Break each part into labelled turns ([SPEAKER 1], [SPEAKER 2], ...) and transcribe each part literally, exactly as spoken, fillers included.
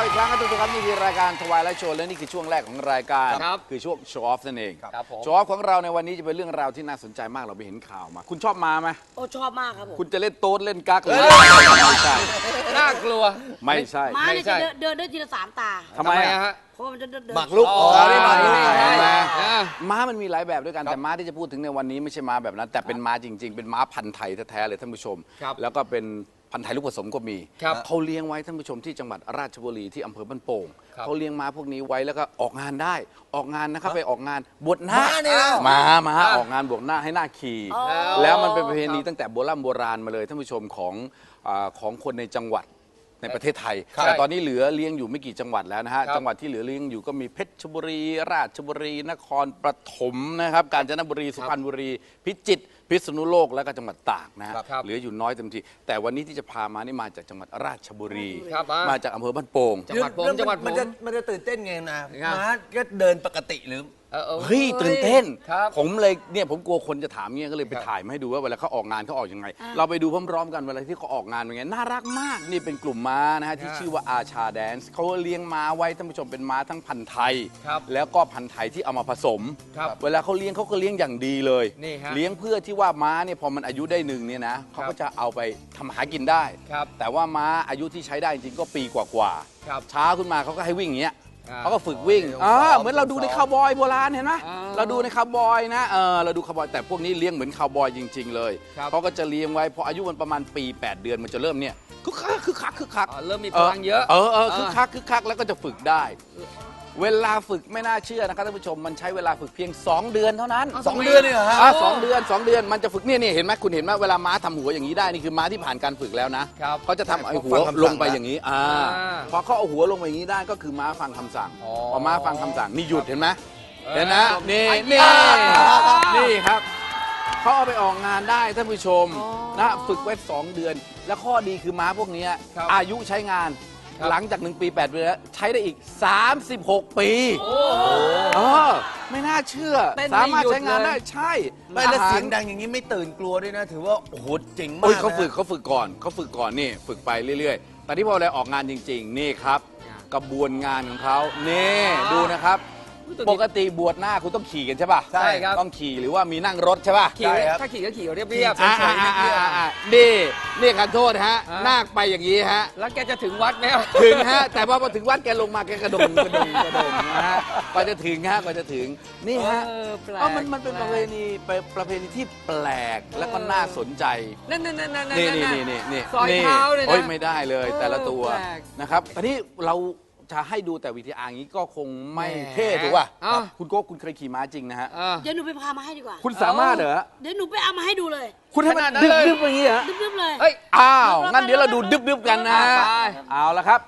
[SPEAKER 1] เราอีกครั้งครับทุกท่านครับนี่คือรายการทวายและโชว์และนี่คือช่วงแรกของรายการ
[SPEAKER 2] ครับ
[SPEAKER 1] คือช่วงโชว์ออฟนั่นเอง
[SPEAKER 2] ครับผม
[SPEAKER 1] โชว์ออฟของเราในวันนี้จะเป็นเรื่องราวที่น่าสนใจมากเราไปเห็นข่าวมา คุณชอบมาไหม
[SPEAKER 3] โอ้ชอบมากครับผม
[SPEAKER 1] คุณจะเล่นโต๊ดเล่นกั๊กหรือไม่ใช่
[SPEAKER 2] น่ากลัว
[SPEAKER 1] ไม่ใช่
[SPEAKER 3] ม้า
[SPEAKER 2] ไม่
[SPEAKER 3] เนี่ย
[SPEAKER 2] ใช่
[SPEAKER 3] จะเดินเดินได้ทีละสามตา
[SPEAKER 1] ทำไมอะ
[SPEAKER 2] ฮะ
[SPEAKER 3] เพราะว่ามันจะเดินเดิน
[SPEAKER 4] หมากรุก
[SPEAKER 2] อ๋อนี่หมากรุก
[SPEAKER 1] ใช่
[SPEAKER 2] ใช่
[SPEAKER 1] ไหม
[SPEAKER 2] อ่า
[SPEAKER 1] ม้ามันมีหลายแบบด้วยกันแต่ม้าที่จะพูดถึงในวันนี้ไม่ใช่ม้าแบบนั้น แต่เป็นม้าจริง ๆ เป็นม้าพันธุ์ไทยแท้ๆเลยท่านผู้ชม
[SPEAKER 2] ครับ
[SPEAKER 1] แล้วก็เป็นพันธุ์ไทยลูกผสมก็มี
[SPEAKER 2] ครับ
[SPEAKER 1] เขาเลี้ยงไว้ท่านผู้ชมที่จังหวัดราชบุรีที่อำเภอบ้านโป่ง
[SPEAKER 2] ครับ
[SPEAKER 1] เขาเลี้ยงม้าพวกนี้ไว้แล้วก็ออกงานได้ออกงานนะครับไปออกงานบวชหน้า
[SPEAKER 4] ม้าเนี่ยนะ
[SPEAKER 1] ม้าม้า
[SPEAKER 2] อ่า
[SPEAKER 1] ออกงานบวชหน้าให้หน้าขี่
[SPEAKER 3] อ๋อ
[SPEAKER 1] แล้วมันเป็นประเพณี
[SPEAKER 2] ครับ
[SPEAKER 1] ตั้งแต่โบราณโบราณมาเลยท่านผู้ชมของอาของคนในจังหวัดในประเทศไทย
[SPEAKER 2] ครับ
[SPEAKER 1] แต่ตอนนี้เหลือเลี้ยงอยู่ไม่กี่จังหวัดแล้วนะฮะ
[SPEAKER 2] ครับ
[SPEAKER 1] จังหวัดที่เหลือเลี้ยงอยู่ก็มีเพชรบุรี ราชบุรี นครปฐมนะครับกาญจนบุรีสุพรรณบุรี พิจิตรพิษณุโลกแล้วก็จังหวัดตากนะฮะ
[SPEAKER 2] ครับ
[SPEAKER 1] เหลืออยู่น้อยเต็มทีแต่วันนี้ที่จะพามานี่มาจากจังหวัดราชบุรี
[SPEAKER 2] ครับอ่าม
[SPEAKER 1] มาจากอำเภอบ้านโป่ง
[SPEAKER 2] จังหวัดผม
[SPEAKER 4] แล้ว
[SPEAKER 2] จังหวัดผม
[SPEAKER 4] มันจะมันจะตื่นเต้นไงนะ
[SPEAKER 2] ครับ
[SPEAKER 4] ม้าก็เดินปกติหรือ
[SPEAKER 2] เออออ
[SPEAKER 1] เฮ้ยตื่นเต้น
[SPEAKER 2] ครับ
[SPEAKER 1] ผมเลยเนี่ยผมกลัวคนจะถามเงี้ยก็เลยไป
[SPEAKER 2] ครับ
[SPEAKER 1] ถ่ายมาให้ดูว่าเวลาเขาออกงานเขาออกยังไง เราไปดูพร้อมๆกันเวลาที่เขาออกงานเป็นไงน่ารักมากนี่เป็นกลุ่มม้านะฮะที่
[SPEAKER 2] ครับ
[SPEAKER 1] ชื่อว่าอาชาแดนซ์เขาเลี้ยงม้าไว้ท่านผู้ชมเป็นม้าทั้งพันธุ์ไทย
[SPEAKER 2] ครับ
[SPEAKER 1] แล้วก็พันธุ์ไทยที่เอามาผสม
[SPEAKER 2] ครับ
[SPEAKER 1] เวลาเขาเลี้ยงเขาก็เลี้ยงอย่างดีเลย
[SPEAKER 2] นี่ฮะ
[SPEAKER 1] เลี้ยงเพื่อที่ว่าม้าเนี่ยพอมันอายุได้หนึ่งเนี่ยนะเขาก็จะเอาไปทำหากินได้
[SPEAKER 2] ครับ
[SPEAKER 1] แต่ว่าม้าอายุที่ใช้ได้จริงๆก็ปีกว่าๆ
[SPEAKER 2] ครับ
[SPEAKER 1] เช้าขึ้นมาเขาก็ให้วิ่งอย่างเงี้ย
[SPEAKER 2] อ่า
[SPEAKER 1] เขาก็ฝึกวิ่ง
[SPEAKER 4] อ๋อ
[SPEAKER 1] อ่า
[SPEAKER 4] ซ้อม
[SPEAKER 1] เหมือนเราดูใน
[SPEAKER 4] ซ้อม
[SPEAKER 1] คาวบอยโบราณเห็นไหม
[SPEAKER 2] อ่า
[SPEAKER 1] เราดูในคาวบอยนะเออเราดูคาวบอยแต่พวกนี้เลี้ยงเหมือนคาวบอยจริง ๆ เลย
[SPEAKER 2] ครับ
[SPEAKER 1] เขาก็จะเลี้ยงไว้พออายุมันประมาณปี แปด เดือนมันจะเริ่มเนี่ยคึกคักคึกคักคึกคัก
[SPEAKER 2] อ๋อเริ่มมีพลังเยอะ
[SPEAKER 1] เออเออคึกคักคึกคักแล้วก็จะฝึกได้ เวลาฝึกไม่น่าเชื่อนะครับท่านผู้ชมมันใช้เวลาฝึกเพียง สอง เดือนเท่านั้น
[SPEAKER 4] สองเดือนเนี่ยเหรอฮะ
[SPEAKER 1] อ่าสองเดือนสองเดือนมันจะฝึกเนี่ยเนี่ยเห็นไหมคุณเห็นไหมเวลาม้าทำหัวอย่างนี้ได้นี่คือม้าที่ผ่านการฝึกแล้วนะครับ เขาจะทำไอ้หัว
[SPEAKER 4] ฟังคำสั่ง
[SPEAKER 1] ลงไปอย่างนี้อ่า
[SPEAKER 2] อ่า
[SPEAKER 1] พอเขาเอาหัวลงไปอย่างนี้ได้ก็คือม้าฟังคำสั่ง
[SPEAKER 2] อ๋อ
[SPEAKER 1] พอม้าฟังคำสั่งนี่หยุดเห็นไหม
[SPEAKER 2] เออ
[SPEAKER 1] เห็นนะนี่นี่นี่ครับเขาเอาไปออกงานได้ท่านผู้ชมนะฝึกไว้สองเดือน แล้วข้อดีคือม้าพวกเนี้ย
[SPEAKER 2] ครับ
[SPEAKER 1] อายุใช้งาน
[SPEAKER 2] ครับ
[SPEAKER 1] หลังจากหนึ่งปีแปดเดือนแล้วใช้ได้อีกสามสิบหกปีเออไม่น่าเชื่อ
[SPEAKER 2] เต้นไม่
[SPEAKER 1] สามารถ
[SPEAKER 2] หยุด
[SPEAKER 1] ใช้งาน
[SPEAKER 2] เลย
[SPEAKER 1] ได้ใช่
[SPEAKER 4] ไม่แล้ว
[SPEAKER 1] อาหาร
[SPEAKER 4] เสียงดังอย่างนี้ไม่ตื่นกลัวด้วยนะ ถือว่าโอ้โหเจ๋งมาก
[SPEAKER 1] เอ้ยเขา
[SPEAKER 4] นะ
[SPEAKER 1] ฝึกเขาฝึกก่อนเขาฝึกก่อนนี่ฝึกไปเรื่อยๆ แต่ที่พอเราออกงานจริง ๆ นี่ครับ กระบวนงานของเขานี่ดูนะครับ ปกติบวชหน้าคุณต้องขี่กันใช่ป่ะ
[SPEAKER 2] ใช่ครับ
[SPEAKER 1] ต้องขี่หรือว่ามีนั่งรถใช่ป่ะ
[SPEAKER 2] ขี่ถ้าขี่ก็ขี่เรียบเรียบ
[SPEAKER 1] อ่าอ่าอ่าอ่าอ่านี่นี่ขันโทษฮะ
[SPEAKER 2] อ่า
[SPEAKER 1] นาคไปอย่างนี้ฮะ
[SPEAKER 2] แล้วแกจะถึงวัดไหมครับ
[SPEAKER 1] ถึงฮะ แต่ว่าพอถึงวัดแกลงมาแกกระโดงกระโดงกระโดงนะฮะกว่าจะถึงฮะกว่าจะถึงนี่ฮะ
[SPEAKER 2] เออแปลก
[SPEAKER 1] เอ้ามันมันเป็นประเพณีเป็นประเพณีที่แปลกแล้วก็น่าสนใจ
[SPEAKER 2] นั่นนั่นนั่นนั่น
[SPEAKER 1] นี่
[SPEAKER 2] นั่
[SPEAKER 1] นี่
[SPEAKER 2] น
[SPEAKER 1] นี่นี่นี่
[SPEAKER 2] ซอยเท้าเลยนะ
[SPEAKER 1] โอ้ยไม่ได้เลย
[SPEAKER 2] เออ
[SPEAKER 1] แต่ละตัว
[SPEAKER 2] แปลก
[SPEAKER 1] นะครับตอนนี้เราจะให้ดูแต่วิธีอาอย่างนี้ก็คงไม่
[SPEAKER 2] แหม
[SPEAKER 1] เท่ถูกป่ะ
[SPEAKER 2] อ้าว
[SPEAKER 1] คุณโก้คุณเคยขี่ม้าจริงนะฮะ
[SPEAKER 2] เออ
[SPEAKER 3] เดี๋ยวหนูไปพามาให้ดีกว่า
[SPEAKER 1] คุณสามารถเหรอ
[SPEAKER 3] เดี๋ยวหนูไปเอามาให้ดูเลย
[SPEAKER 1] คุณให้มัน
[SPEAKER 2] ขนาดนั้น
[SPEAKER 1] ดึบ
[SPEAKER 2] เลย
[SPEAKER 1] ดึบอย่างนี้เหรอ
[SPEAKER 3] ดึบๆเลย
[SPEAKER 2] เฮ้ย
[SPEAKER 1] อ้าวงั้นเดี๋ยวเราดูดึบดึบกันนะ
[SPEAKER 2] ไป
[SPEAKER 1] เอาละครับ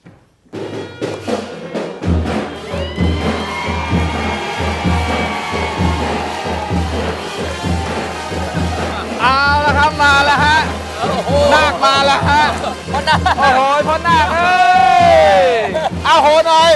[SPEAKER 1] เอาละครับมาแล้วฮะนาคมาแล้วฮะ
[SPEAKER 2] พ่อนาค
[SPEAKER 1] โอ้โหพ่อนาคเอ้ยเอาโหหน่อย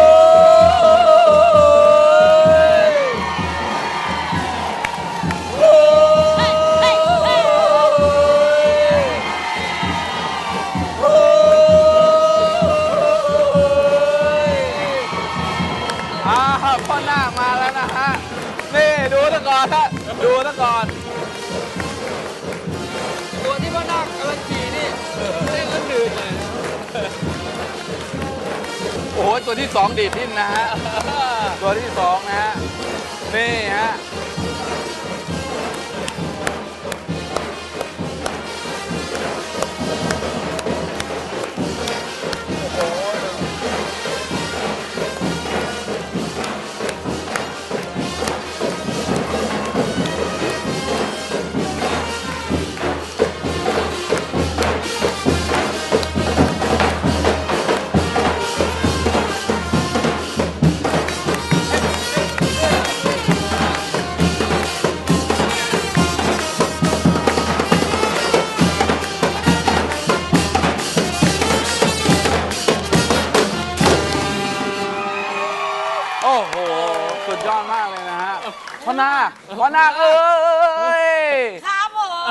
[SPEAKER 1] อ้าวพ่อนาคมาแล้วนะฮะนี่ดูซะก่อนฮะดูซะก่อน
[SPEAKER 2] ตัวที่พ่อนาคกำลังขี่นี่เล่นแล้วดื่นเลย
[SPEAKER 1] โอ้โหตัวที่สองดีดดิ้นนะฮะ ตัวที่สองนะฮะ นี่ฮะ โอ้โห สุดยอดมากเลยนะฮะพ่อนาคพ่อนาคเอ้ย
[SPEAKER 3] ครับผม
[SPEAKER 1] เอ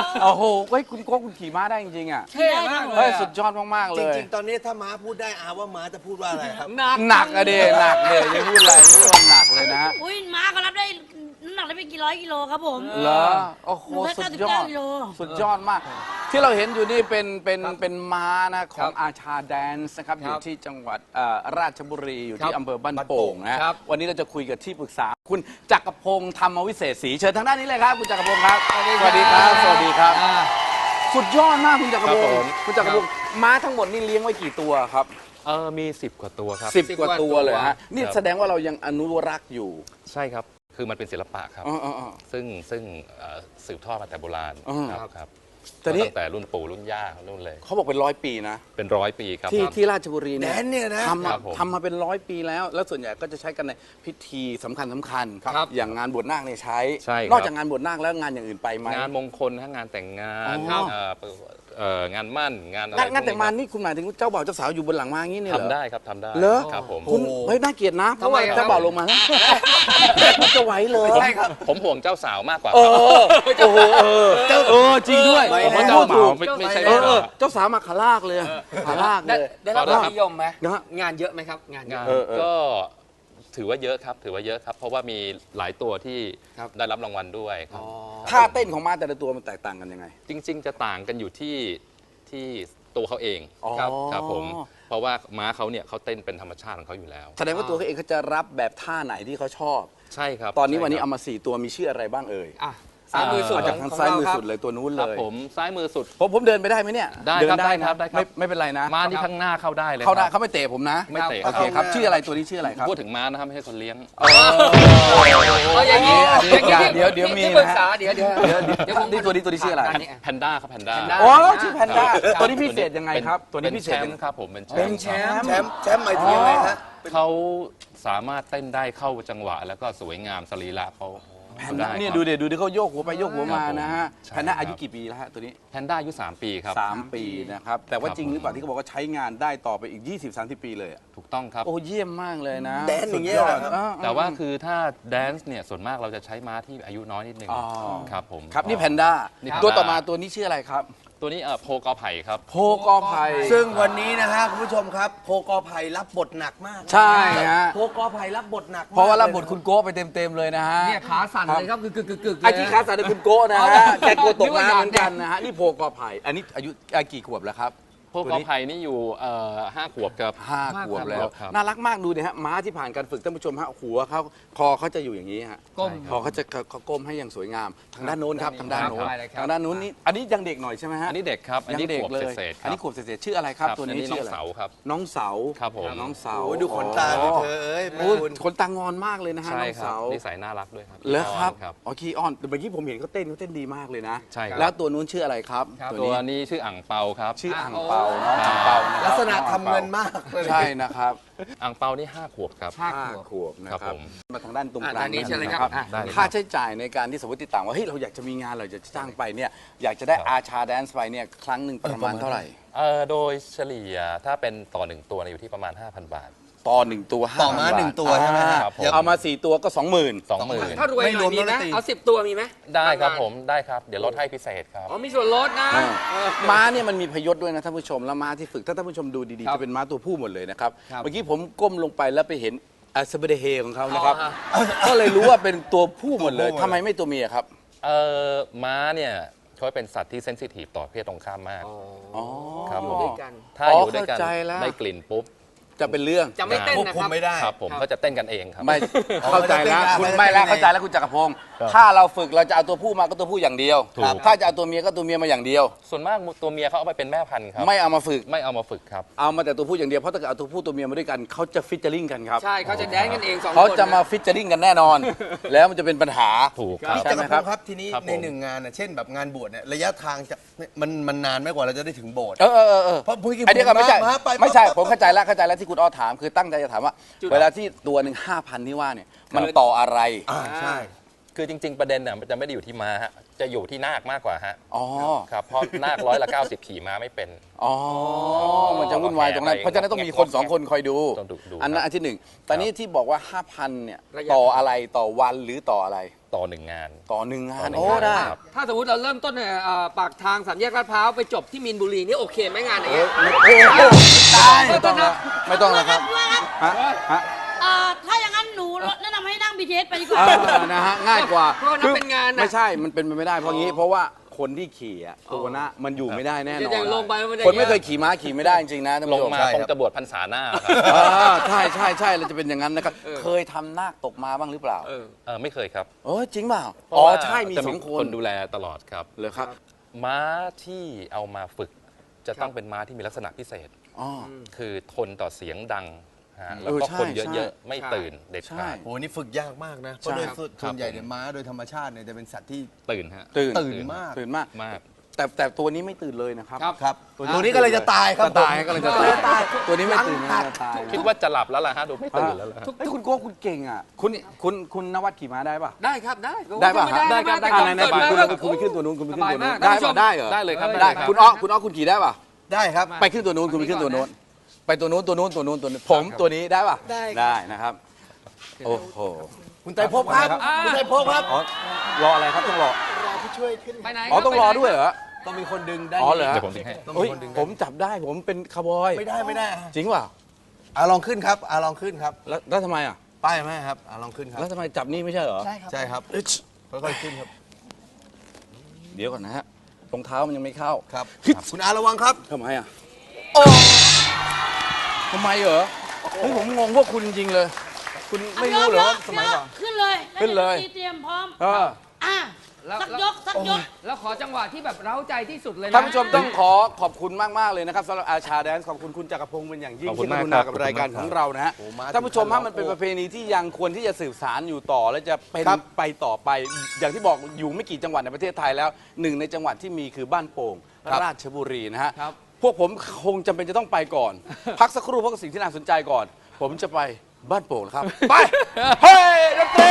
[SPEAKER 1] โอ้โหเฮ้ยคุณโก้คุณขี่ม้าได้จริงๆอ่ะ
[SPEAKER 2] เท่มากเล
[SPEAKER 1] เฮ้
[SPEAKER 2] ย
[SPEAKER 1] ยสุดยอดมากๆ
[SPEAKER 4] จ
[SPEAKER 1] เลย
[SPEAKER 4] ริงๆ ตอนนี้ถ้าม้าพูดได้อาว่าม้าจะพูดว่าอะไรครับ
[SPEAKER 2] หนัก
[SPEAKER 1] หนักอะเดหนักเดยังพูดอะไรพูดว่าหนักเลยนะ
[SPEAKER 3] อุ้ยม้าก็รับได้น้ำหนักได้เป็นกี่ร้อยกิโลครับผม
[SPEAKER 1] เหรอโอ้โห
[SPEAKER 3] หนูได้
[SPEAKER 1] สุ
[SPEAKER 3] เก้า
[SPEAKER 1] ด
[SPEAKER 3] สิบ
[SPEAKER 1] ยอ
[SPEAKER 3] เก้า
[SPEAKER 1] ด
[SPEAKER 3] กิโล
[SPEAKER 1] สุดยอดมาก ที่เราเห็นอยู่นี่เป็นเป็นเป็นม้านะของอาชาแดนซ์นะครับอยู่ที่จังหวัดเอ่อราชบุรีอยู่ที่อำเภอบ้านโป่งนะครับ วันนี้เราจะคุยกับที่ปรึกษา คุณจักรพงศ์ธรรมวิเศษศรีเชิญทางด้านนี้เลยครับคุณจักรพงศ์ครับสวัสดีครับสวัสดีครับ
[SPEAKER 2] อ่า
[SPEAKER 1] สุดยอดมากคุณจักรพง
[SPEAKER 5] ครับผ
[SPEAKER 1] ศ์
[SPEAKER 5] ม
[SPEAKER 1] คุณจักรพงศ์ม้าทั้งหมดนี่เลี้ยงไว้กี่ตัวครับ
[SPEAKER 5] เออมีสิบกว่าตัวครับ
[SPEAKER 1] สิบกว่าตัวเลยฮะนี่
[SPEAKER 5] ครับ
[SPEAKER 1] แสดงว่าเรายังอนุรักษ์อยู่
[SPEAKER 5] ใช่ครับ คือมันเป็นศิลปะครับ
[SPEAKER 1] อ๋ออ๋ออ๋อ
[SPEAKER 5] ซึ่งซึ่งเอ่อสืบทอดมาแต่โบราณ
[SPEAKER 1] อืม
[SPEAKER 5] ครับครับ
[SPEAKER 1] แต่นี่
[SPEAKER 5] ตั้งแต่รุ่นปู่รุ่นย่ารุ่นเลย
[SPEAKER 1] เขาบอกเป็นร้อยปีนะ
[SPEAKER 5] เป็นร้อยปีครับ
[SPEAKER 1] ที่ที่ราชบุรีเนี่ย
[SPEAKER 4] แดนเนี่ยนะ
[SPEAKER 1] ทำ
[SPEAKER 5] ครั
[SPEAKER 1] มา
[SPEAKER 5] บผม
[SPEAKER 1] ทำมาเป็นร้อยปีแล้ว แล้วส่วนใหญ่ก็จะใช้กันในพิธีสำคัญสำคัญ
[SPEAKER 2] ครับ
[SPEAKER 1] อย่างงานบวชนาคเนี่ยใช้
[SPEAKER 5] ใช่ครับ
[SPEAKER 1] นอกจากงานบวชนาคแล้วงานอย่างอื่นไปไหม
[SPEAKER 5] งานมงคลทั้งงานแต่งงาน
[SPEAKER 1] อ๋อ
[SPEAKER 5] เอ่อเอ่องานมั่นงานอะไร
[SPEAKER 1] งานงานแต่งงาน
[SPEAKER 5] พวก
[SPEAKER 1] นี่คุณหมายถึงเจ้าบ่าวเจ้าสาวอยู่บนหลังม้าอย่างนี้เนี่ยเหรอ
[SPEAKER 5] ทำได้ครับทำได้
[SPEAKER 1] เหรอ
[SPEAKER 5] ครับผม
[SPEAKER 1] คุณเฮ้ยน่าเกลียดนะเพราะว่า
[SPEAKER 2] ทำไมครับ
[SPEAKER 1] เจ้าบ่าวลงมานะจะไหวเลย
[SPEAKER 4] ใช่ครับ
[SPEAKER 5] ผมห่วงเจ้าสาวมากกว่า
[SPEAKER 1] เออโอ้โหเออเออจริงด้วย
[SPEAKER 4] ไม่
[SPEAKER 5] ผมว่า
[SPEAKER 1] พู
[SPEAKER 5] เจ้า
[SPEAKER 1] ด
[SPEAKER 5] บ่า
[SPEAKER 1] ถู
[SPEAKER 5] ว
[SPEAKER 1] ก
[SPEAKER 5] ไม่ไม่ใช่
[SPEAKER 1] เอ
[SPEAKER 5] เจ้า
[SPEAKER 1] อเอ
[SPEAKER 5] บ่า
[SPEAKER 1] อ
[SPEAKER 5] ว
[SPEAKER 1] เจ้าสาวมาขาลากเลยขาลาก
[SPEAKER 2] ได้
[SPEAKER 1] เลย
[SPEAKER 2] ได้รับความนิยมไหม
[SPEAKER 1] นะฮะ
[SPEAKER 2] งานเยอะไหมครับ งานเย
[SPEAKER 5] งา
[SPEAKER 2] อะ
[SPEAKER 5] น
[SPEAKER 1] เออเออ
[SPEAKER 5] ก็ถือว่าเยอะครับ ถือว่าเยอะครับ เพราะว่ามีหลายตัวที่
[SPEAKER 2] ครับ
[SPEAKER 5] ได้รับรางวัลด้วยครับ
[SPEAKER 1] ท่าเต้นของม้าแต่ละตัวมันแตกต่างกันยังไง
[SPEAKER 5] จริง ๆ จะต่างกันอยู่ที่ที่ตัวเขาเอง
[SPEAKER 1] อ๋อ
[SPEAKER 5] ครับครับผม เพราะว่าม้าเขาเนี่ยเขาเต้นเป็นธรรมชาติของเขาอยู่แล้ว
[SPEAKER 1] แสดงว่าตัวเขาเองเขาจะรับแบบท่าไหนที่เขาชอบ
[SPEAKER 5] ใช่ครับ
[SPEAKER 1] ตอนนี้วันนี้
[SPEAKER 5] ใช่
[SPEAKER 1] เอา
[SPEAKER 5] ครับ
[SPEAKER 1] มาสี่ตัวมีชื่ออะไรบ้างเอ่ย
[SPEAKER 2] อ่ะซ้ายมือสุด
[SPEAKER 1] เอาจากทางซ้ายมือสุดเลยตัวนู้น
[SPEAKER 5] ค
[SPEAKER 1] เล
[SPEAKER 5] รับ
[SPEAKER 1] ย
[SPEAKER 5] ผมซ้ายมือสุด
[SPEAKER 1] ผมผมเดินไปได้ไหมเนี่ย
[SPEAKER 5] ได้
[SPEAKER 1] เดิ
[SPEAKER 5] ครับ
[SPEAKER 1] น
[SPEAKER 5] ได้
[SPEAKER 1] นะครับ
[SPEAKER 5] ได้ครับ
[SPEAKER 1] ไม่ไม่เป็นไรนะ
[SPEAKER 5] ม้าที่ข้างหน้าเข้าได้เลย
[SPEAKER 1] เขาได้
[SPEAKER 5] ครับ
[SPEAKER 1] เขาไม่เตะผมนะ
[SPEAKER 5] ไม่เตะ
[SPEAKER 1] โอเคครับชื่ออะไรตัวนี้ชื่ออะไรครับ
[SPEAKER 5] พูดถึงม้านะครับไม่ใช่คนเลี้ยง
[SPEAKER 2] เอาอย่างนี้
[SPEAKER 1] อันนี้
[SPEAKER 2] อย่างนี้
[SPEAKER 1] เดี๋ยวเดี๋ยวมี
[SPEAKER 2] ที่ปรึ
[SPEAKER 1] นะ
[SPEAKER 2] กษา
[SPEAKER 1] ฮะ
[SPEAKER 2] เดี๋ยวเดี๋ยว
[SPEAKER 1] เดี๋ยว
[SPEAKER 2] เดี๋ยวผม
[SPEAKER 1] นี่ตัวนี้ตัวนี้ชื่ออะไร
[SPEAKER 2] อันนี้
[SPEAKER 5] แพนด้าครับแพนด้า
[SPEAKER 2] แพนด้า
[SPEAKER 1] โอ้ชื่อแพนด้า
[SPEAKER 2] ครับ
[SPEAKER 1] ตัวนี้พิเศษยังไงครับ ตัวนี้
[SPEAKER 5] เป็น
[SPEAKER 1] พิเศ
[SPEAKER 5] แช
[SPEAKER 1] ษ
[SPEAKER 5] ม
[SPEAKER 1] ยังไง
[SPEAKER 5] ป์ครับผมเป็นแช
[SPEAKER 2] เป็
[SPEAKER 5] ม
[SPEAKER 2] น
[SPEAKER 5] ป์
[SPEAKER 2] แชมป์
[SPEAKER 4] แชมป์แชมป์หมายถึงยังไงฮะ
[SPEAKER 5] เขาสามารถเต้นได้เข้าจังหวะ แล้วก็สวยงามสรีระเขา
[SPEAKER 1] แพน
[SPEAKER 5] เขา
[SPEAKER 1] ด้า
[SPEAKER 5] ได้
[SPEAKER 1] เนี่ย
[SPEAKER 5] ครับ
[SPEAKER 1] ดูเดี๋ยวดูดิเขาโยกหัวไปโยกหัวมา
[SPEAKER 5] ครับผม
[SPEAKER 1] นะฮะ
[SPEAKER 5] ใช่
[SPEAKER 1] แพนด้า
[SPEAKER 5] ครับ
[SPEAKER 1] อายุกี่ปีแล้วฮะตัวนี้
[SPEAKER 5] แพนด้าอายุสามปีครับ
[SPEAKER 1] สามปีนะครับแต่ว่า
[SPEAKER 5] ครับ
[SPEAKER 1] จริงหรือเปล่าที่เขาบอกว่าใช้งานได้ต่อไปอีก ยี่สิบ สามสิบ ปีเลยอะ
[SPEAKER 5] ถูกต้องครับ
[SPEAKER 1] โอ้เยี่ยมมากเลยนะ
[SPEAKER 4] แดนอย่างเงี้ย
[SPEAKER 1] สุด
[SPEAKER 4] เหรอครับ
[SPEAKER 1] อ่
[SPEAKER 5] แต่ว่าคือถ้าแดนซ์เนี่ยส่วนมากเราจะใช้ม้าที่อายุน้อยนิดนึง
[SPEAKER 1] อ๋อ
[SPEAKER 5] ครับผม
[SPEAKER 1] ครับนี่แพนด้า
[SPEAKER 5] นี่แพนด้า
[SPEAKER 1] ตัวต่อมาตัวนี้ชื่ออะไรครับ
[SPEAKER 5] ตัวนี้เอ่อโพกอไผ่ครับ
[SPEAKER 1] โพกอไผ่
[SPEAKER 4] ซึ่งวันนี้นะฮะคุณผู้ชมครับ โพกอไผ่รับบทหนักมาก
[SPEAKER 1] ใช่ฮะ
[SPEAKER 4] โพกอไผ่รับบทหนักมก
[SPEAKER 1] เพราะว่ารับบทคุณโก้ไปเต็มๆเลยนะฮะ
[SPEAKER 2] เนี่ยขาสั่นเลยครับกึกกึกกึกกึกเลย
[SPEAKER 1] ไอ้ที่คาสันคุณโก้นะฮะแกกลัวตกน้ำเหมือนกันนะฮะนี่โพกอไผ่อันนี้อายุอ่ะกี่ขวบแล้วครับ
[SPEAKER 5] โพกอไผ่นี่อยู่เอ่อห้าขวบกับ
[SPEAKER 1] ห้าขวบแล้ว
[SPEAKER 5] ครับ
[SPEAKER 1] น่ารักมากดูดิฮะม้าที่ผ่านการฝึกท่านผู้ชมฮะหัวเขาคอเขาจะอยู่อย่างนี้ฮะ
[SPEAKER 2] ก้ม
[SPEAKER 1] คอเขาจะเขาก้มให้อย่างสวยงาม ทางด้านโน้นครับทางด้านโน้น
[SPEAKER 2] ครับได้เลยครับ
[SPEAKER 1] ทางด้านโน้นนี่อันนี้ยังเด็กหน่อยใช่ไหมฮะ
[SPEAKER 5] อันนี้เด็กครับ อันนี้
[SPEAKER 1] ยังเด็ก
[SPEAKER 5] ขวบ
[SPEAKER 1] เลย
[SPEAKER 5] เศษๆค
[SPEAKER 1] อัน
[SPEAKER 5] รับ
[SPEAKER 1] นี้ขวบเศษๆชื่ออะไรครับ ตัวนี้
[SPEAKER 5] อันนี้
[SPEAKER 1] ชื่
[SPEAKER 5] น้
[SPEAKER 1] อ
[SPEAKER 5] อง
[SPEAKER 1] อะไร
[SPEAKER 5] เสาครับ
[SPEAKER 1] น้องเสา
[SPEAKER 5] ครับผม
[SPEAKER 1] น้องเสา
[SPEAKER 4] โอ้ยดูขนตาดิเธอเอ้ย
[SPEAKER 1] โอ้ย
[SPEAKER 4] คุณ
[SPEAKER 1] ขนตางอนมากเลยนะฮะ
[SPEAKER 5] ใช่
[SPEAKER 1] น้อง
[SPEAKER 5] ครับ
[SPEAKER 1] เสา
[SPEAKER 5] นิสัยน่ารักด้วยครับ
[SPEAKER 1] เหรอครับ
[SPEAKER 5] ครับ
[SPEAKER 1] อ๋อคีออนแต่เมื่อกี้ผมเห็นเขาเต้นเขาเต้นดีมากเลยนะ
[SPEAKER 5] ใช่ครับ
[SPEAKER 1] แล้วตัวนู้นชื่ออะไรครับ
[SPEAKER 2] ครับ
[SPEAKER 1] ตัว
[SPEAKER 5] ตัว
[SPEAKER 1] นี้
[SPEAKER 5] นี้ชื่ออ่างเปาครับ
[SPEAKER 1] ชื่ออ่างเปาน้องอ่างเปานะค
[SPEAKER 4] ลั
[SPEAKER 1] รับ
[SPEAKER 4] กษณะทำเงินมากเลย
[SPEAKER 1] ใช่นะครับ
[SPEAKER 5] อ่างเปานี่ห้าขวบครับ
[SPEAKER 2] ห้า
[SPEAKER 1] ห้า
[SPEAKER 2] ขวบ
[SPEAKER 1] ขวบนะค
[SPEAKER 5] ครั
[SPEAKER 1] รับบ
[SPEAKER 5] ผม
[SPEAKER 1] มาทางด้านตรง
[SPEAKER 2] อ่ะ
[SPEAKER 1] กลาง
[SPEAKER 2] ด้านนี้เชิญเลยครับ
[SPEAKER 1] นะ
[SPEAKER 2] อ่ะ
[SPEAKER 5] ได้เลย
[SPEAKER 1] ค่าใช้จ่ายในการที่สมมติติดต่างว่าเฮ้ยเราอยากจะมีงานเราอยากจะจ้างไปเนี่ยอยากจะได้อาชาแดนซ์ไปเนี่ยครั้งหนึ่งประมาณเท่าไหร่
[SPEAKER 5] เอ่อโดยเฉลี่ยถ้าเป็นต่อหนึ่งตัวเนี่ยอยู่ที่ประมาณ ห้าพัน บาท
[SPEAKER 1] ต่อหนึ่งตัว
[SPEAKER 4] ต่อม้า
[SPEAKER 1] ห้พับท
[SPEAKER 4] หนึ่งตัวใช่ไหมฮะ
[SPEAKER 5] ครับผม
[SPEAKER 1] เอามาสี่ตัวก็สองหมื่น
[SPEAKER 5] สองหมื่น
[SPEAKER 2] ถ้ารวยหน่อยมีไหม
[SPEAKER 4] ไม่รวมดนตรี
[SPEAKER 2] เอาสิบตัวมีไหม
[SPEAKER 5] ได้ครับผมได้ครับ เดี๋ยวลดให้พิเศษครับ
[SPEAKER 2] อ๋อมีส่วนลดนะเออ
[SPEAKER 1] ม้าเนี่ยมันมีพยศด้วยนะท่านผู้ชมแล้วม้าที่ฝึกถ้าท่านผู้ชมดูดี
[SPEAKER 2] ครั
[SPEAKER 1] ๆ
[SPEAKER 2] บ
[SPEAKER 1] จะเป็นม้าตัวผู้หมดเลยนะครับ
[SPEAKER 2] ครับ
[SPEAKER 1] เมื่อกี้ผมก้มลงไปแล้วไปเห็นอาสเบเดเฮของเขานะครับ
[SPEAKER 2] อ๋อฮะ
[SPEAKER 1] ก็เลยรู้ว่าเป็นตัวผู้หมดเลย
[SPEAKER 4] ตัวผู้หมด
[SPEAKER 1] ทำไมไม่ตัวเมียครับ
[SPEAKER 5] เอ่อม้าเนี่ยเขาเป็นสัตว์ที่เซนซิทีฟต่อเพศตรงข้ามมาก
[SPEAKER 1] อ๋อ
[SPEAKER 5] ครับผม
[SPEAKER 2] ด้วยกัน
[SPEAKER 5] ถ้า
[SPEAKER 1] อ๋อ
[SPEAKER 5] อยู่ด้วยกัน
[SPEAKER 1] เข้าใจแล้ว
[SPEAKER 5] ได้กลิ่นปุ๊บ
[SPEAKER 1] จะเป็นเรื่อง
[SPEAKER 2] จะไม่เต้น
[SPEAKER 4] ควบ
[SPEAKER 2] นะ
[SPEAKER 4] คุ
[SPEAKER 2] ค
[SPEAKER 4] ม
[SPEAKER 2] รับ
[SPEAKER 4] ไม่ได้
[SPEAKER 5] ครับผมเขาจะเต้นกันเองครับ
[SPEAKER 1] ไม่เข้าใจแล้ว
[SPEAKER 4] ไม่
[SPEAKER 1] คุณ
[SPEAKER 4] ได้
[SPEAKER 1] ไม่แล้ว
[SPEAKER 4] ไม่ได้
[SPEAKER 1] เข้าใจแล้วคุณจักรพงศ์ถ้าเราฝึกเราจะเอาตัวผู้มาก็ตัวผู้อย่างเดียว
[SPEAKER 5] ถูก
[SPEAKER 1] ถ้าจะเอาตัวเมียก็ตัวเมียมาอย่างเดียว
[SPEAKER 5] ส่วนมากตัวเมียเขาเอาไปเป็นแม่พันธุ์ครับ
[SPEAKER 1] ไม่เอามาฝึก
[SPEAKER 5] ไม่เอามาฝึกครับ
[SPEAKER 1] เอามาแต่ตัวผู้อย่างเดียวเพราะถ้าเกิดเอาตัวผู้ตัวเมียมาด้วยกันเขาจะฟิชเจอริงกันครับ
[SPEAKER 2] ใช่เขาจะแดนกันเองสองคน
[SPEAKER 1] เขาจะมาฟิชเจอริงกันแน่นอน แล้วมันจะเป็นปัญหา
[SPEAKER 5] ถูกครับ
[SPEAKER 4] พี่
[SPEAKER 1] ใช่
[SPEAKER 4] จัก
[SPEAKER 1] ไหม
[SPEAKER 4] รพ
[SPEAKER 1] ครับ
[SPEAKER 4] งศ์ครับทีนี้
[SPEAKER 5] ครับผม
[SPEAKER 4] ในหนึ่งงานน่ะเช่นแบบงานบวชเนี่ยระยะทางจะมันมันนานไหมกว่าเราจะได้ถึงโบสถ์
[SPEAKER 1] เออเออเออเออ
[SPEAKER 4] เพราะเมื่อกี้
[SPEAKER 1] ไอ้นี่ก็ไม่ใช่
[SPEAKER 4] ผมมาไป
[SPEAKER 1] ไม่ใช่
[SPEAKER 4] ปั๊บ
[SPEAKER 1] ผมเข้าใจแล้วเข้าใจแล้วที่คุณอ้อถามคือตั้งใจจะถามว่า เวลาที่ตัวหนึ่งห้าพันที่ว่าเนี่ยมันต่ออะไร
[SPEAKER 4] อ่าใช่
[SPEAKER 5] คือจริง ๆ ประเด็นเนี่ยมันจะไม่ได้อยู่ที่ม้าฮะจะอยู่ที่นาคมากกว่าฮะ
[SPEAKER 1] อ๋อ
[SPEAKER 5] ครับเพราะนาคร้อยละเก้าสิบขี่ม้าไม่เป็น
[SPEAKER 1] อ๋อ มันจะวุ่นวายตรงนั้น เพราะฉะนั้นต้องมีคนสองคนคอยดู
[SPEAKER 5] ต้องดูดู
[SPEAKER 1] อันนั้นอันที่หนึ่งแต่นี้ที่บอกว่า ห้าพัน เนี่ย
[SPEAKER 2] ระยะ
[SPEAKER 1] ต่ออะไรต่อวันหรือต่ออะไร
[SPEAKER 5] ต่อหนึ่งงาน
[SPEAKER 1] ต่อหนึ่งงาน
[SPEAKER 5] ต่อหนึ่ง
[SPEAKER 1] โอ้
[SPEAKER 5] งาน
[SPEAKER 1] ได้
[SPEAKER 5] ครับ
[SPEAKER 2] ถ้าสมมติเราเริ่มต้นเนี่ยเอ่อปากทางสามแยกลาดพร้าวไปจบที่มีนบุรีนี่โอเคไหมงานอย่าง
[SPEAKER 1] เอ้
[SPEAKER 2] เงี้
[SPEAKER 1] ย
[SPEAKER 2] ย
[SPEAKER 1] โอ้โหตายไม่ต้องแล้วไม่ต้องแล้วครับ
[SPEAKER 3] ด้วยครับ
[SPEAKER 1] ฮะฮะ
[SPEAKER 3] เอ่อถ้าอย่างนั้นหนูแนะนำให้นั่ง บี ที เอส ไปดีกว่า
[SPEAKER 1] เออนะฮะง่ายกว่า
[SPEAKER 2] เพราะว่านับเป็นงานน่ะ
[SPEAKER 1] ไม่ใช่ มันเป็นไปไม่ได้ เพราะงี้ เพราะว่าคนที่ขี่อะตัวนะมันอยู่ไม่ได้แน่นอน
[SPEAKER 2] อย่างลงไปมันจะ
[SPEAKER 1] คนไม่เคยขี่ม้าขี่ไม่ได้จริงๆนะท่าน
[SPEAKER 5] ล
[SPEAKER 1] ผู้
[SPEAKER 5] ง
[SPEAKER 1] ชม
[SPEAKER 5] มา
[SPEAKER 4] ใช่
[SPEAKER 5] คง
[SPEAKER 4] ครับ
[SPEAKER 5] จะบวชพรรษาหน้าครับ
[SPEAKER 1] อ่าใช่ใช่ใช่เราจะเป็นอย่างนั้นนะครับ เคยทำนาคตกมาบ้างหรือเปล่า
[SPEAKER 2] เออ
[SPEAKER 5] เออไม่เคยครับ
[SPEAKER 1] เออจริงเปล่า
[SPEAKER 5] เพราะ
[SPEAKER 1] อ๋อ
[SPEAKER 5] ว่า
[SPEAKER 1] ใช่มี
[SPEAKER 5] จะ
[SPEAKER 1] สองค
[SPEAKER 5] คน นดูแลตลอดครับ
[SPEAKER 1] เลยครับ
[SPEAKER 5] ม้าที่เอามาฝึกจะต้องเป็นม้าที่มีลักษณะพิเศษ
[SPEAKER 1] อ๋อ
[SPEAKER 5] คือทนต่อเสียงดังฮะ
[SPEAKER 1] เอ
[SPEAKER 5] แล้ว
[SPEAKER 1] อ
[SPEAKER 5] ก็
[SPEAKER 1] ใช่
[SPEAKER 5] คน
[SPEAKER 1] ใช่
[SPEAKER 5] เยอะๆ ไม่
[SPEAKER 2] ใช่
[SPEAKER 5] ตื่นเด็ด
[SPEAKER 1] ใช่
[SPEAKER 5] ขาด
[SPEAKER 4] โอ้โหนี่ฝึกยากมากนะ เพราะโดยส่วนส่วนใหญ่เนี่ยม้าโดยธรรมชาติเนี่ยจะเป็นสัตว์ที่
[SPEAKER 5] ตื่นฮะ
[SPEAKER 1] ตื่น
[SPEAKER 4] ตื่นมาก
[SPEAKER 1] ตื่นมาก
[SPEAKER 5] มาก
[SPEAKER 1] แต่แต่ตัวนี้ไม่ตื่นเลยนะครับ
[SPEAKER 2] ครับ
[SPEAKER 4] ครับ
[SPEAKER 1] ตัว
[SPEAKER 4] ตัวนี้ก็เลยจะตายครับ
[SPEAKER 1] จะตาย
[SPEAKER 4] ผม
[SPEAKER 1] ก็เลยจะตาย
[SPEAKER 4] ตาย
[SPEAKER 1] ตัวนี้ไม่ตื่นนะจะตาย
[SPEAKER 5] คิดว่าจะหลับแล้วล่ะฮะดูไม่ตื่นแล้วล่ะฮะ
[SPEAKER 1] ทุกที่คุณโก้คุณเก่งอ่ะคุณคุณคุณนวัดขี่ม้าได้ป่ะ
[SPEAKER 2] ได้ครับได้
[SPEAKER 1] ได้ป่ะ
[SPEAKER 2] ม่
[SPEAKER 5] ได้ครับ
[SPEAKER 2] แต่
[SPEAKER 5] ได้
[SPEAKER 2] ก่
[SPEAKER 5] ค
[SPEAKER 2] อ
[SPEAKER 5] รับ
[SPEAKER 2] น
[SPEAKER 1] ไหน
[SPEAKER 2] เกิด
[SPEAKER 1] ๆ
[SPEAKER 2] มา
[SPEAKER 1] คุณ
[SPEAKER 2] ก็
[SPEAKER 1] คุณไปขึ้นตัวนู้นคุณไปขึ้นตัวนู้น
[SPEAKER 2] สบายมาก
[SPEAKER 1] ได้ป่ะได้เหรอ
[SPEAKER 5] ได้เลยครับ
[SPEAKER 1] ได้
[SPEAKER 5] ครับ
[SPEAKER 1] คุณอ้อคุณอ้อคุณขี่ได้ป่ะ
[SPEAKER 4] ได้ครับ
[SPEAKER 1] ไปขึ้นตัวนู้นคุณไปขึ้นตัวนู้นไปตัวนู้นตัวนู้นตัวนู้นตัวนู้นผมตัวนี้ได้ป่ะ
[SPEAKER 2] ได้
[SPEAKER 1] ได้นะครับโอ้โห
[SPEAKER 4] คุณไตรภพครับ
[SPEAKER 2] อ่า
[SPEAKER 4] คุณไตรภพครับ
[SPEAKER 1] อ๋อรออะไรครับต้องรอ
[SPEAKER 4] รอผู้ช่วยขึ้น
[SPEAKER 2] ไปไหน
[SPEAKER 1] อ๋อต้องรอด้วย
[SPEAKER 2] ไปไหน
[SPEAKER 1] เหรอ
[SPEAKER 4] ต้องมีคนดึงได้
[SPEAKER 1] อ๋อเหรอ
[SPEAKER 5] เดี๋ยวผมดึงให้
[SPEAKER 4] ต้อง
[SPEAKER 1] เฮ้
[SPEAKER 4] มี
[SPEAKER 1] ย
[SPEAKER 4] คนดึง
[SPEAKER 1] ผมจับได้ผมเป็นคาร์บอย
[SPEAKER 4] ไม่ได้ไม่ได้
[SPEAKER 1] จริงเปล่า
[SPEAKER 4] อ่ะลองขึ้นครับอ่ะลองขึ้นครับ
[SPEAKER 1] แล้วแล้วทำไมอ่ะ
[SPEAKER 4] ป้ายไหมครับอ่ะลองขึ้นครับ
[SPEAKER 1] แล้วทำไมจับนี่ไม่ใช่เหรอ
[SPEAKER 4] ใช่ครับใช่ครับค่อยๆขึ้นครับ
[SPEAKER 1] เดี๋ยวก่อนนะฮะรองเท้ามันยังไม่เข้า
[SPEAKER 4] ครับ คุณอาระวังครับ
[SPEAKER 1] ทำไมอ่ะทำไมเหรอเฮ้ยผมงงพวกคุณจริงๆเลย คุณไม่รู้เหรอว่าสมัยก่อน
[SPEAKER 3] ขึ้นเลย
[SPEAKER 1] ขึ้นเลย
[SPEAKER 3] แวดี๋วดนตรีเตรียมพร้อม
[SPEAKER 1] เออ
[SPEAKER 3] อ่ะ
[SPEAKER 2] แล้ว
[SPEAKER 3] สักยกสักยก
[SPEAKER 2] แล้วขอจังหวะที่แบบเร้าใจที่สุดเลยนะ
[SPEAKER 1] ท่านผู้ชมต้องขอขอบคุณมาก ๆ เลยนะครับสำหรับอาชาแดนซ์ขอบคุณคุณจักรพงศ์เป็นอย่างยิ่ง
[SPEAKER 5] ขอบคุ
[SPEAKER 1] ที่
[SPEAKER 5] ณ
[SPEAKER 1] ก
[SPEAKER 5] มาก
[SPEAKER 1] รุ
[SPEAKER 5] ครั
[SPEAKER 1] ณา
[SPEAKER 5] บ
[SPEAKER 1] กับ
[SPEAKER 5] ขอบคุณ
[SPEAKER 1] รายการ
[SPEAKER 5] มาก
[SPEAKER 1] ของเรานะฮะ
[SPEAKER 4] โอ้มา
[SPEAKER 1] ท่านผู้ชม
[SPEAKER 4] ถึ
[SPEAKER 1] ฮะ
[SPEAKER 4] งขั้น
[SPEAKER 1] มันเป็น
[SPEAKER 4] โอ้
[SPEAKER 1] ประเพณีที่ยังควรที่จะสืบสารอยู่ต่อ และจะเป็น
[SPEAKER 4] ครับ
[SPEAKER 1] ไปต่อไป อย่างที่บอกอยู่ไม่กี่จังหวัดในประเทศไทยแล้วหนึ่งในจังหวัดที่มีคือบ้านโป่งราชบุรีนะฮะ
[SPEAKER 2] ครับ
[SPEAKER 1] พวกผมคงจำเป็นจะต้องไปก่อน พักสักครู่เพราะสิ่งที่น่าสนใจก่อน ผมจะไปบ้านโป่งนะครับ ไปเฮ้ยดนตรี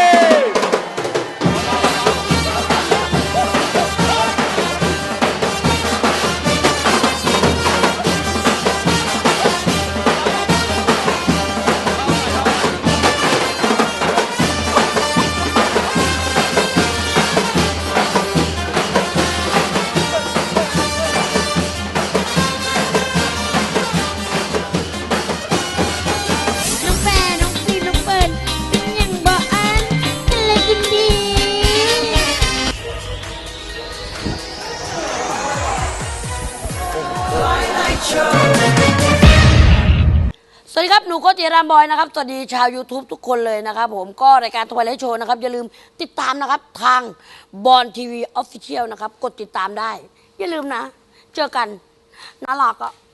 [SPEAKER 6] น้องแฟนน้องฟิล์มน้องเฟิร์นยังบอกอันกันเลยคุณดี
[SPEAKER 3] สวัสดีครับ หนูโกติรามบอยนะครับ สวัสดีชาว YouTube ทุกคนเลยนะครับผมก็รายการทวายไลท์โชว์นะครับ อย่าลืมติดตามนะครับ ทางบอลทีวีออฟฟิเชียลนะครับ กดติดตามได้ อย่าลืมนะ เจอกันน่ารักอ่ะ